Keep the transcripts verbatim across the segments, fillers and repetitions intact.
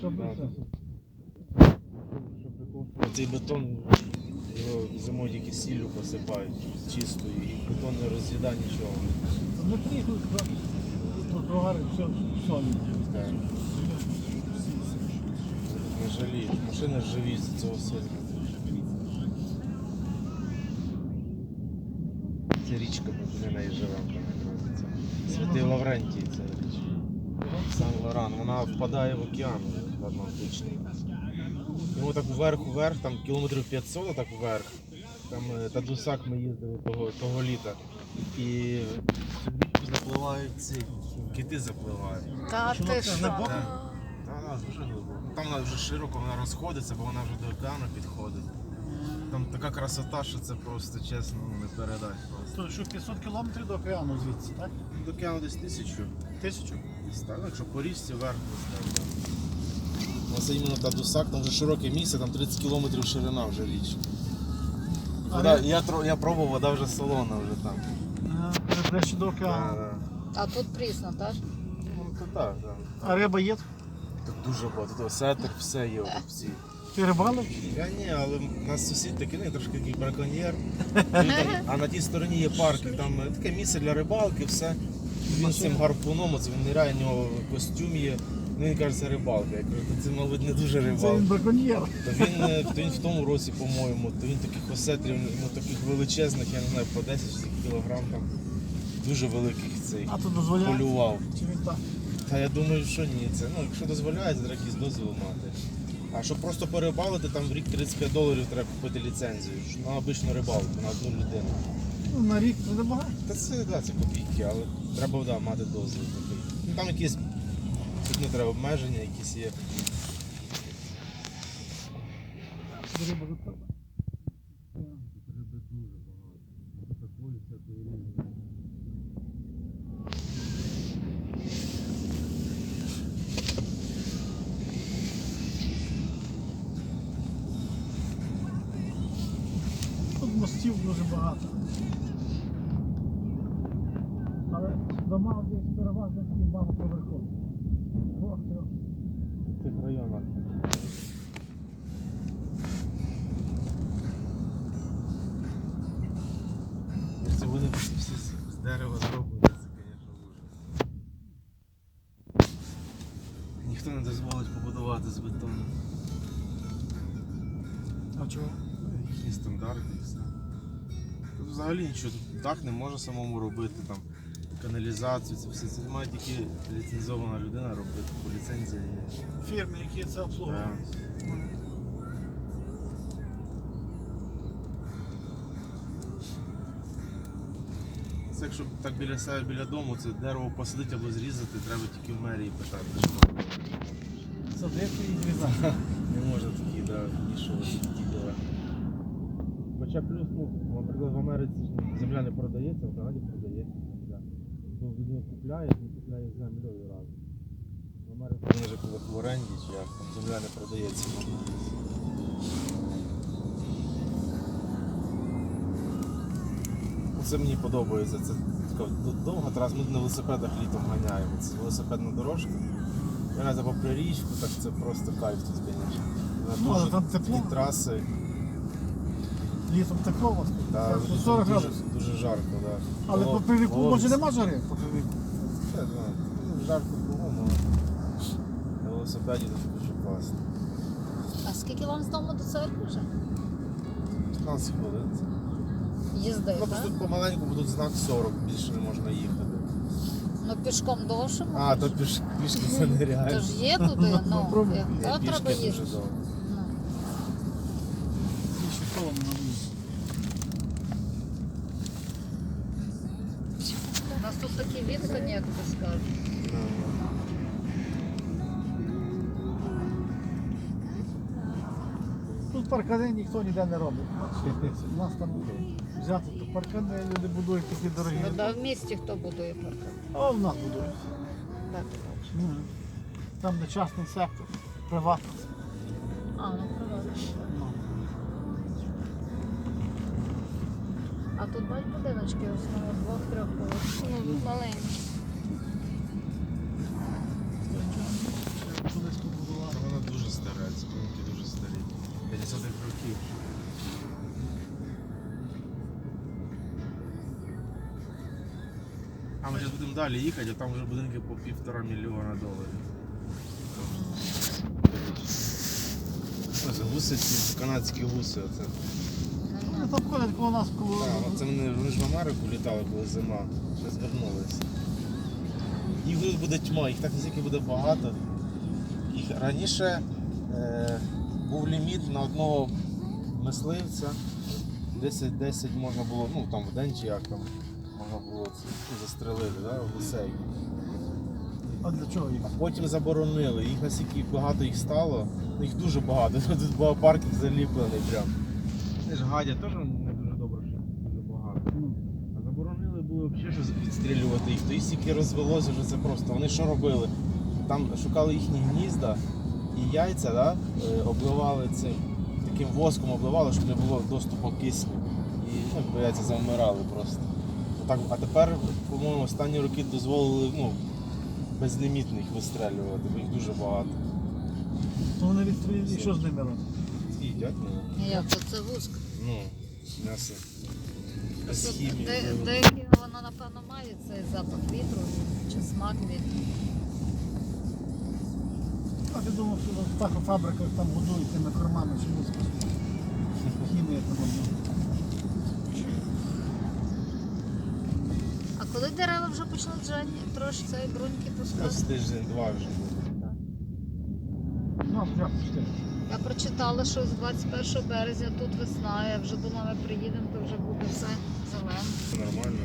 Цей бетон його зимою тільки сіллю посипають чистою, і бетон не роз'їда нічого. Внутрі тротуари все солі. Не жаліють. Машини живі з цього сильно. Це річка, ми туди неї живемо. Святий Лаврентій, це Сан-Лоран. Вона впадає в океан в Атлантичний. Йому так вверх-вверх, там кілометрів п'ятсот, так вверх. Там Тадусак ми їздили того, того літа. І запливають ці кити запливають. Та ти що? Так, так, дуже глибоко. Там вона вже широко, вона розходиться, бо вона вже до океану підходить. Там така красота, що це просто, чесно, не передати просто. То що п'ятсот кілометрів до океану звідси, так? До океану десь тисячу. Тисячу? Так, якщо по річці вверх поставити. Ось іменно Тадусак, там вже широке місце, там тридцять кілометрів ширина вже річка. Вода, я, я пробував, вода вже солона вже там. Ага, ближче до океану. Да, да. А тут прісно, так? Ну, то так, так. А риба є? Тут дуже багато, тут сетер, все є всі. Ти рибалив? Я ні, але у нас сусід такий, ну, трошки такий браконьєр. Він там, а на тій стороні є парк, і там таке місце для рибалки, все. Він з цим гарпуном, оце він ниряє, у нього костюм є. Ну, він каже, це рибалка. Я кажу, це, мабуть, не дуже Це рибалка. він браконьєр. То він, то він в тому році, по-моєму, то він таких осетрів, ну, таких величезних, я не знаю, по десять кілограм там, дуже великих цей А то дозволяє? полював. Чи він так? Та я думаю, що ні. Це, ну, якщо дозволяє, треба якийсь дозвіл мати. А щоб просто порибалити, там в рік тридцять п'ять доларів треба купити ліцензію. На обичну рибалку, на одну людину. Ну, на рік це небагато. Та це, да, це копійки, але треба, да, мати дозвіл такий. Ну, там якісь, тут не треба обмеження, якісь є. Риба готова. Риби дуже багато. Такої всякої різної. Тут мостів дуже багато. Але дома десь переважно такі багатоповерхові. Двох-трьох. В цих районах. Це вони всі з дерева зроблені, це, звісно, ужас. Ніхто не дозволить побудувати з бетону. А чого? Їхні стандарти і все. Тут взагалі нічого, тут дах не може самому робити, там, каналізацію, це все. Це має тільки ліцензована людина робити, по ліцензії є. Фірми, які це обслуговують. Так. Це якщо так біля себе, біля дому, це дерево посадити або зрізати, треба тільки в мерії питати, що можна. Садити і зрізати. Не можна такі, да, вмішувати такі діла. Хоча плюс, ну, наприклад, в Америці ж земля не продається, в Канаді продається земля. Бо людина купляє, він купляє землею разом. В Америці вони ж коли в оренді, чи як, там земля не продається. Це мені подобається, це така довга траса, ми на велосипедах літом ганяємо, це велосипедна дорожка. Грати попри річку, так це просто кайф тут, звісно. Ну, але там тепло. Такі траси. Літом тепло у вас? Да, Це дуже, сорок дуже, градусів. дуже жарко, да. Але по піввіку може нема жари? По піввіку. Це, да, ну, жарко кругом, але на велосипеді тут дуже класно. А скільки вам з дому до церкви вже? п'ятнадцять хвилин. Їзди, Ну, просто так? тут помаленьку, бо тут знак сорок, більше не можна їхати. Ну пішком довше А, можеш? то піш, пішки це нереально. Тож є туди, ну, Попробуй. як Ні, то пішки треба дуже їздити. довго. Ну. Більше колом на вулиці. У нас тут такі відстані, як ти скажеш. Тут паркани ніхто ніде не робить. У нас там взяти то паркани, люди будують такі дорогі. Ну, да, в місті хто будує паркан? А в нас будують. Так, ти бачиш. Ну, там де частний сектор, приватний. А, ну приватно. Ну. А тут бать будиночки в основному двох-трьох поверхів. Ну, маленькі. Колись тут будували. Воно далі їхати, а там вже будинки по півтора мільйона доларів. Ось гуси, ці канадські гуси. Оце. Вони там ходять коло нас, коло... Так, це вони, вони ж в Америку літали, коли зима. Вже звернулися. Їх тут буде тьма, їх так настільки буде багато. Їх раніше е, був ліміт на одного мисливця. десять десять можна було, ну там в день чи як там можна було це, ну, застрелити, да, гусей. А для чого їх? А потім заборонили. Їх настільки багато їх стало, ну, їх дуже багато. Тут був паркінг заліплений прям. Вони ж гадять теж не дуже добре, що дуже багато. Ну, А заборонили було взагалі щось відстрілювати їх. То їх стільки розвелося, вже це просто. Вони що робили? Там шукали їхні гнізда і яйця, да? е, обливали цим таким воском обливали, щоб не було доступу кисню. І ну, яйця завмирали просто. Так, а тепер, по-моєму, останні роки дозволили ну, безлімітно їх вистрелювати, бо їх дуже багато. то вони відстрілюють, і що з ними робити? Їдять, ну, Як то це вуск? ну, м'ясо. Без Тут хімії. де- вивели. Деякі воно напевно має цей запах вітру чи смак вітру. А ти думав, що в птахофабриках там годують тими кормами, що не спасуть. Хімія там одна. А коли дерева вже почнуть жені, трошки цієї бруньки Ось пускати? тиждень-два вже буде. Ну, а як пусти? Я прочитала, що з двадцять першого березня тут весна, я вже думала, ми приїдемо, то вже буде все зелене. Це нормально.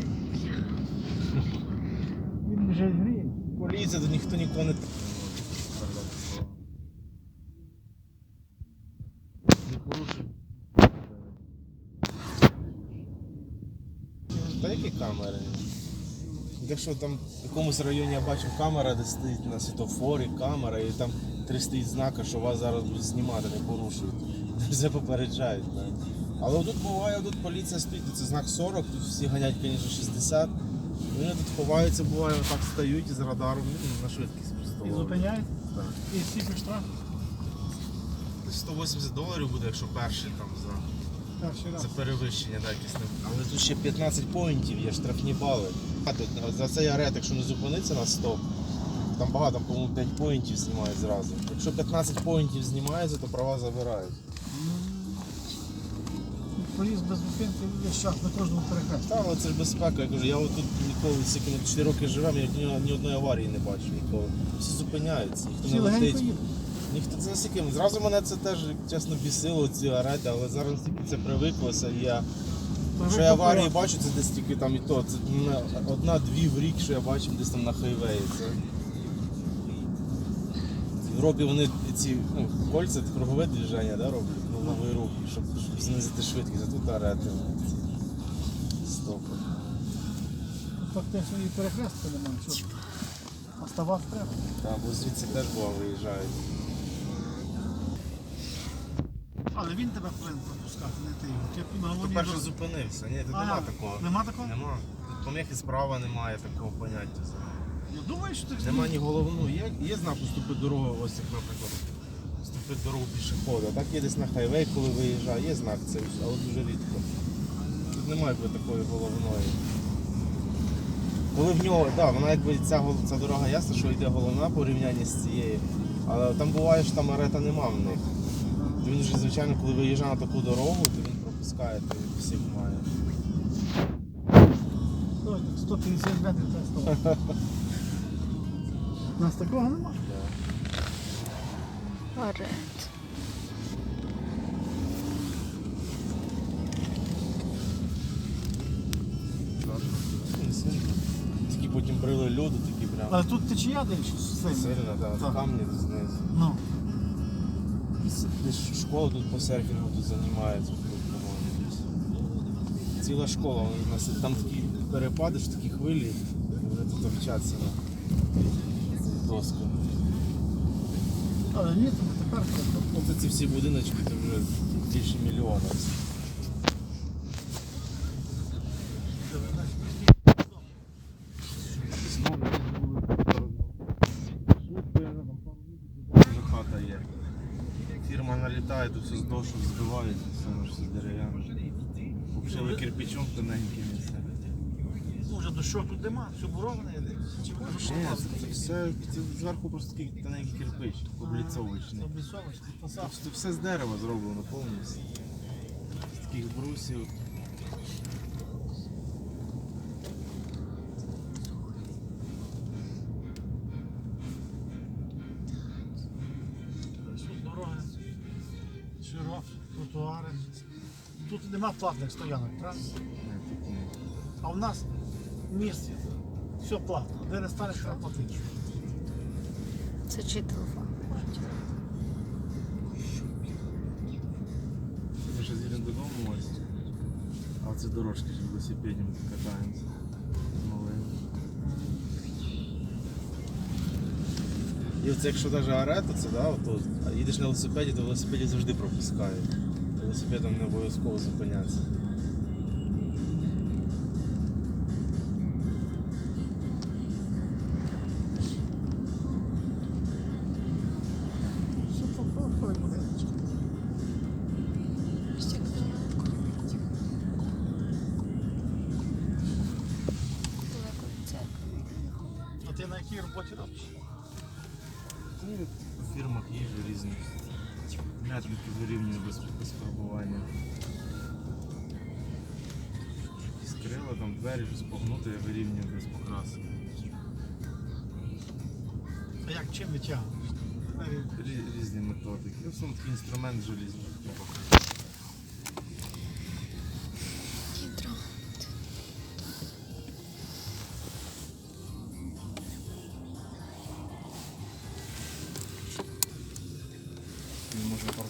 Він вже гріє. Поліція, тут ніхто нікого не... Не порушив. Та які камери? Якщо там в якомусь районі я бачив камера, де стоїть на світофорі камера, і там три стоїть знака, що вас зараз будуть знімати, не порушують. Все попереджають. Так. Але тут буває, тут поліція стоїть, це знак сорок, тут всі ганять, звісно, шістдесят. Вони тут ховаються, буває, отак стають із радаром, ну, на швидкість просто. І зупиняють. Так. І скільки штраф? Десь сто вісімдесят доларів буде, якщо перший там за, Перший раз. за перевищення, так, якесь не. Але тут ще п'ятнадцять поінтів є, штрафні бали. А тут за цей арет, якщо не зупиниться на стоп, там багато, там, по-моєму, п'ять поінтів знімають зразу. Якщо п'ятнадцять поінтів знімається, то права забирають. Поїзд без зупинки весь час на кожному перехресті. Та, але це ж безпека, я кажу, я отут ніколи, скільки ми чотири роки живемо, я ні, ні одної аварії не бачив ніколи. Всі зупиняються, ніхто Всі не легенько летить. їдуть. Ніхто це настільки. Зразу мене це теж, чесно, бісило, ці арети, але зараз настільки це привиклося. І я, що я аварії бачу, це десь тільки там і то. Це мене одна-дві в рік, що я бачив десь там на хайвеї. Це... В Європі вони ці ну, кольця, кругове движення да, роблять, круговий рух, щоб, щоб знизити швидкість, а тут арети. ці Стопи. Фактично і перехрестка немає. Що? А ставати треба. Там, бо звідси теж була виїжджають. Але він тебе повинен пропускати, не ти його. Ти на Хто головній перший дорозі. зупинився? Ні, тут А, нема такого. Нема такого? Нема. Тут поміхи справа немає такого поняття. Я думаю, що ти Нема ні головну. Є, є знак уступи дорогу, ось як, наприклад, уступити дорогу пішохода. Так є десь на хайвей, коли виїжджає, є знак цей, але дуже рідко. Тут немає якби такої головної. Коли в нього, так, да, вона якби ця, гол- ця дорога ясна, що йде головна порівняння з цією. Але там буває, що там арета нема в них. То він вже, звичайно, коли виїжджає на таку дорогу, то він пропускає, то він всіх має. Ось, сто п'ятдесят метрів треба ставати. У нас такого нема. Арет. Не сильно. Тільки потім брили льоду, такі прям Але тут течія десь сильно. сильно, так, Так. камні знизу. Ну. Десь школа тут по серфінгу тут займається, тут, по-моєму. Ціла школа, вони в нас там такі перепади, що такі хвилі, і вони тут вчаться на цих досках. Але ні, то не тепер. Ну, це ці всі будиночки, це вже більше мільйона. Знову вже хата є. Фірма налітає, тут все з дошок збивають, все воно ж все дерев'яне. Обшили кирпичом тоненьким і все. вже дощок тут нема, все буроване йде. Чи воно Ні, це, це все це зверху просто такий тоненький кирпич, обліцовочний. обліцовочний, посадка. Це все з дерева зроблено повністю. З таких брусів. Тут дороги широкі, тротуари. Тут нема платних стоянок, правильно? Не, тут ні. А в нас в місті все платно. Де не станеш, треба платити. Це чий телефон? Ми ще їдемо додому ось. А це дорожки ж велосипедом катаємося. З малим. І оце якщо навіть аре, то це, да, ото, а їдеш на велосипеді, то велосипеді завжди пропускають. Велосипедом не обов'язково зупинятися. Все попробуй, будиночки. А ти на якій роботі робиш? Ну, в фірмах їжджу різних. М'ятники вирівнюю без, без фарбування. Якісь крила, там двері щось погнути, я вирівнюю без покраски. А як чим витягуєш? Рі- Різні методики. Ну, сам такий інструмент желізний. Не можна